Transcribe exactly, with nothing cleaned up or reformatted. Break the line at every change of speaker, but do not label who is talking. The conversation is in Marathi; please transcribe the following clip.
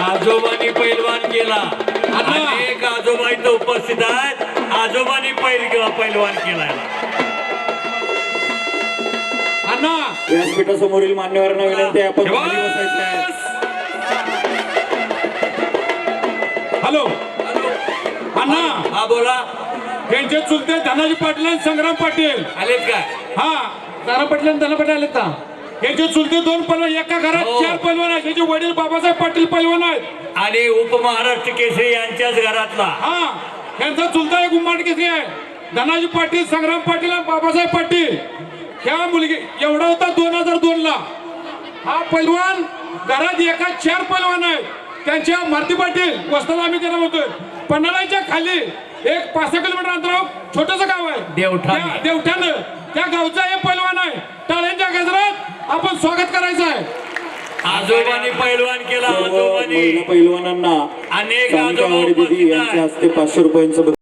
आजोबांनी पैलवान केला, अनेक आजोबा इथं उपस्थित आहेत, आजोबांनी पैल किंवा पैलवान केला।
अण्णा
व्यासपीठासमोरील मान्यवरांना विनंती आहे आपण खाली बसायचं आहे।
हॅलो अण्णा,
हा बोला।
त्यांचे चुलते धनाजी पाटील आणि संग्राम पाटील
आलेत काय?
हा, तारा पाटील आणि धना पाटील आलेत का? यांचे चुलते दोन पैलवान, एका घरात
हो।
चार पैलवान आहेत। त्यांचे वडील बाबासाहेब पाटील पैलवान आहेत
आणि उपमहाराष्ट्र केसरी यांच्याच घरातला।
हा, यांचा चुलता एक उम्माट केसरी आहे, धनाजी पाटील, संग्राम पाटील आणि बाबासाहेब पाटील। ह्या मुलगी एवढा होता दोन हजार दोन ला। हा पैलवान घरात एका चार पैलवान आहेत। त्यांच्या मारुती पाटील वस्ताला आम्ही त्यांना म्हणतोय, पन्हाळ्याच्या खाली एक पाच सहा किलोमीटर अंतरावर छोटस गाव आहे
देवठाण।
त्या- देवठाण त्या गावचा हे पैलवान आहे। टाळ्यांच्या गजरात आपण स्वागत करायचं आहे।
आजोबांनी पैलवान केला,
सर्व
आजोबांनी
महिला पैलवानांना
अनेक
सानिका
आजोबा
आवडी
उपस्थित
दिदी यांच्या
आहेत।
हस्ते पाचशे रुपयांचं